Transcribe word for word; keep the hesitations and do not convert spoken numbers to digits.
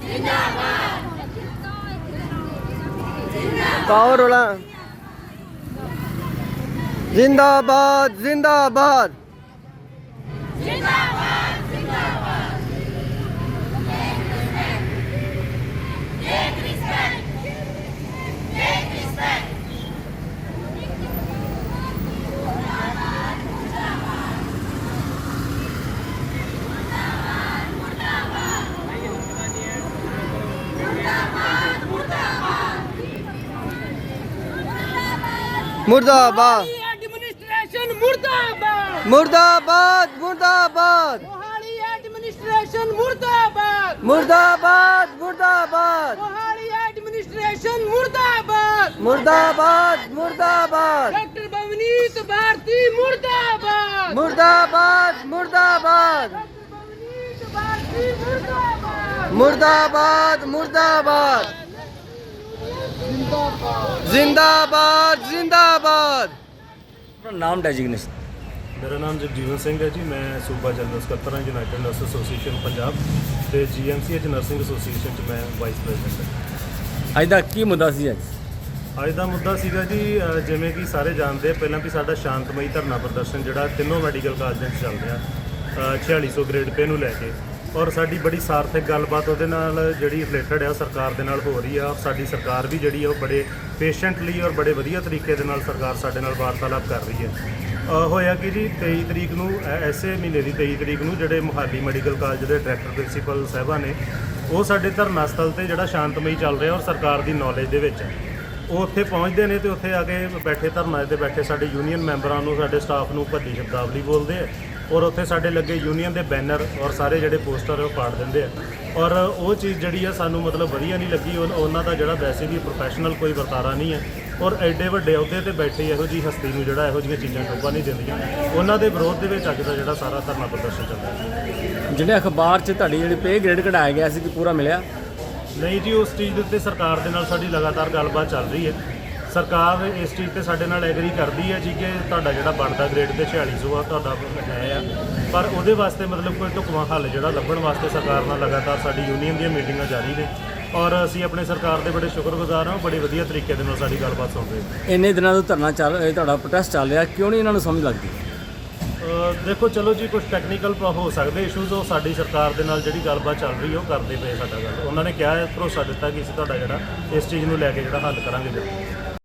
पाओ रोला जिंदाबाद जिंदाबाद मुर्दाबाद एडमिनिस्ट्रेशन मुर्दाबाद मुर्दाबाद मुर्दाबाद मोहाली एडमिनिस्ट्रेशन मुर्दाबाद मुर्दाबाद मुर्दाबाद मोहाली एडमिनिस्ट्रेशन मुर्दाबाद मुर्दाबाद मुर्दाबाद डॉक्टर भवनीत भारती मुर्दाबाद मुर्दाबाद मुर्दाबाद भवनीत भारती मुर्दाबाद मुर्दाबाद मुर्दाबाद जिंदाबाद जिंदाबाद नाम डेजिग्नेशन ਮੇਰਾ ਨਾਮ ਜਗਜੀਵਨ ਸਿੰਘ ਹੈ ਜੀ। ਮੈਂ ਸੂਬਾ ਜਨਰਲ ਸਕੱਤਰ ਹਾਂ ਯੂਨਾਈਟਿਡ ਨਰਸ ਐਸੋਸੀਏਸ਼ਨ ਪੰਜਾਬ ਤੇ ਜੀਐਮਸੀਐਚ ਨਰਸਿੰਗ ਐਸੋਸੀਏਸ਼ਨ 'ਚ ਮੈਂ ਵਾਈਸ ਪ੍ਰੈਜ਼ੀਡੈਂਟ ਹਾਂ। ਅੱਜ ਦਾ ਕੀ ਮੁੱਦਾ ਸੀ ਅੱਜ ਅੱਜ ਦਾ ਮੁੱਦਾ ਸੀਗਾ ਜੀ ਅ, ਜਿਵੇਂ ਕਿ ਸਾਰੇ ਜਾਣਦੇ ਆ, ਪਹਿਲਾਂ ਵੀ ਸਾਡਾ ਸ਼ਾਂਤਮਈ ਧਰਨਾ ਪ੍ਰਦਰਸ਼ਨ ਜਿਹੜਾ ਤਿੰਨੋਂ ਮੈਡੀਕਲ ਕਾਲਜਾਂ 'ਚ ਚੱਲ ਰਿਹਾ ਛਿਆਲੀ ਸੌ ਗ੍ਰੇਡ ਪੇ ਨੂੰ ਲੈ ਕੇ, ਔਰ ਸਾਡੀ ਬੜੀ ਸਾਰਥਕ ਗੱਲਬਾਤ ਉਹਦੇ ਨਾਲ ਜਿਹੜੀ ਰਿਲੇਟਡ ਆ ਸਰਕਾਰ ਦੇ ਨਾਲ ਹੋ ਰਹੀ ਆ। ਸਾਡੀ ਸਰਕਾਰ ਵੀ ਜਿਹੜੀ ਆ ਉਹ ਬੜੇ ਪੇਸ਼ੈਂਟਲੀ ਔਰ ਬੜੇ ਵਧੀਆ ਤਰੀਕੇ ਦੇ ਨਾਲ ਸਰਕਾਰ ਸਾਡੇ ਨਾਲ ਵਾਰਤਾਲਾਪ ਕਰ ਰਹੀ ਹੈ। ਹੋਇਆ ਕਿ ਜੀ ਤੇਈ ਤਰੀਕ ਨੂੰ ਐਸੇ ਮਹੀਨੇ ਦੀ ਤੇਈ ਤਰੀਕ ਨੂੰ ਜਿਹੜੇ ਮੁਹਾਲੀ ਮੈਡੀਕਲ ਕਾਲਜ ਦੇ ਡਾਇਰੈਕਟਰ ਪ੍ਰਿੰਸੀਪਲ ਸਾਹਿਬਾਂ ਨੇ ਉਹ ਸਾਡੇ ਧਰਨਾ ਸਥਲ ਤੇ ਜਿਹੜਾ ਸ਼ਾਂਤਮਈ ਚੱਲ ਰਿਹਾ ਔਰ ਸਰਕਾਰ ਦੀ ਨੌਲੇਜ ਦੇ ਵਿੱਚ ਉਹ ਉੱਥੇ ਪਹੁੰਚਦੇ ਨੇ ਤੇ ਉੱਥੇ ਆ ਕੇ ਬੈਠੇ ਧਰਨਾ 'ਤੇ ਬੈਠੇ ਸਾਡੇ ਯੂਨੀਅਨ ਮੈਂਬਰਾਂ ਨੂੰ ਸਾਡੇ ਸਟਾਫ ਨੂੰ ਭੱਦੀ ਸ਼ਬਦਾਵਲੀ ਬੋਲਦੇ ਆ ਔਰ ਉੱਥੇ ਸਾਡੇ ਲੱਗੇ ਯੂਨੀਅਨ ਦੇ ਬੈਨਰ ਔਰ ਸਾਰੇ ਜਿਹੜੇ ਪੋਸਟਰ ਉਹ ਪਾੜ ਦਿੰਦੇ ਆ। ਔਰ ਉਹ ਚੀਜ਼ ਜਿਹੜੀ ਆ ਸਾਨੂੰ ਮਤਲਬ ਵਧੀਆ ਨਹੀਂ ਲੱਗੀ। ਉਹਨਾਂ ਦਾ ਜਿਹੜਾ ਵੈਸੇ ਵੀ ਪ੍ਰੋਫੈਸ਼ਨਲ ਕੋਈ ਵਰਤਾਰਾ ਨਹੀਂ ਹੈ ਔਰ ਐਡੇ ਵੱਡੇ ਅਹੁਦੇ ਤੇ ਬੈਠੇ ਇਹੋ ਜਿਹੀ ਹਸਤੀ ਨੂੰ ਜਿਹੜਾ ਇਹੋ ਜਿਹੀਆਂ ਚੀਜ਼ਾਂ ਟੋਭਾ ਨਹੀਂ ਦਿੰਦੀਆਂ। ਉਹਨਾਂ ਦੇ ਵਿਰੋਧ ਦੇ ਵਿੱਚ ਅੱਜ ਦਾ ਜਿਹੜਾ ਸਾਰਾ ਧਰਨਾ ਪ੍ਰਦਰਸ਼ਨ ਚੱਲਦਾ ਹੈ। ਜਿਹੜੇ ਅਖਬਾਰ 'ਚ ਤੁਹਾਡੀ ਜਿਹੜੀ ਪੇ ਗ੍ਰੇਡ ਕਢਾਇਆ ਗਿਆ ਸੀ ਕਿ ਪੂਰਾ ਮਿਲਿਆ ਨਹੀਂ ਜੀ, ਉਸ ਚੀਜ਼ ਦੇ ਉੱਤੇ ਸਰਕਾਰ ਦੇ ਨਾਲ ਸਾਡੀ ਲਗਾਤਾਰ ਗੱਲਬਾਤ ਚੱਲ ਰਹੀ ਹੈ। ਸਰਕਾਰ ਇਸ ਚੀਜ਼ ਤੇ ਸਾਡੇ ਨਾਲ ਐਗਰੀ ਕਰਦੀ ਹੈ ਜੀ ਕਿ ਤੁਹਾਡਾ ਜਿਹੜਾ ਬਣਦਾ ਗ੍ਰੇਡ ਤੇ ਛਿਆਲੀ ਸੌ ਆ ਤੁਹਾਡਾ ਹੈ ਆ, ਪਰ ਉਹਦੇ ਵਾਸਤੇ ਮਤਲਬ ਕੋਈ ਢੁਕਵਾਂ ਹੱਲ ਜਿਹੜਾ ਲੱਭਣ ਵਾਸਤੇ ਸਰਕਾਰ ਨਾਲ ਲਗਾਤਾਰ ਸਾਡੀ ਯੂਨੀਅਨ ਦੀਆਂ ਮੀਟਿੰਗਾਂ ਜਾਰੀ ਨੇ ਔਰ ਅਸੀਂ ਆਪਣੇ ਸਰਕਾਰ ਦੇ ਬੜੇ ਸ਼ੁਕਰਗੁਜ਼ਾਰ ਹਾਂ। ਬੜੇ ਵਧੀਆ ਤਰੀਕੇ ਦੇ ਨਾਲ ਸਾਡੀ ਗੱਲਬਾਤ ਸੁਣ ਰਹੇ ਨੇ। ਇੰਨੇ ਦਿਨਾਂ ਤੋਂ ਧਰਨਾ ਚੱਲ ਇਹ ਤੁਹਾਡਾ ਪ੍ਰੋਟੈਸਟ ਚੱਲ ਰਿਹਾ, ਕਿਉਂ ਨਹੀਂ ਇਹਨਾਂ ਨੂੰ ਸਮਝ ਲੱਗਦੀ? ਦੇਖੋ ਚਲੋ ਜੀ, ਕੁਝ ਟੈਕਨੀਕਲ ਹੋ ਸਕਦੇ ਇਸ਼ੂਜ਼, ਉਹ ਸਾਡੀ ਸਰਕਾਰ ਦੇ ਨਾਲ ਜਿਹੜੀ ਗੱਲਬਾਤ ਚੱਲ ਰਹੀ ਹੈ ਉਹ ਕਰਦੇ ਪਏ ਸਾਡਾ ਗੱਲ। ਉਹਨਾਂ ਨੇ ਕਿਹਾ ਹੈ, ਭਰੋਸਾ ਦਿੱਤਾ ਕਿ ਅਸੀਂ ਤੁਹਾਡਾ ਜਿਹੜਾ ਇਸ ਚੀਜ਼ ਨੂੰ ਲੈ ਕੇ ਜਿਹੜਾ ਹੱਲ ਕਰਾਂਗੇ।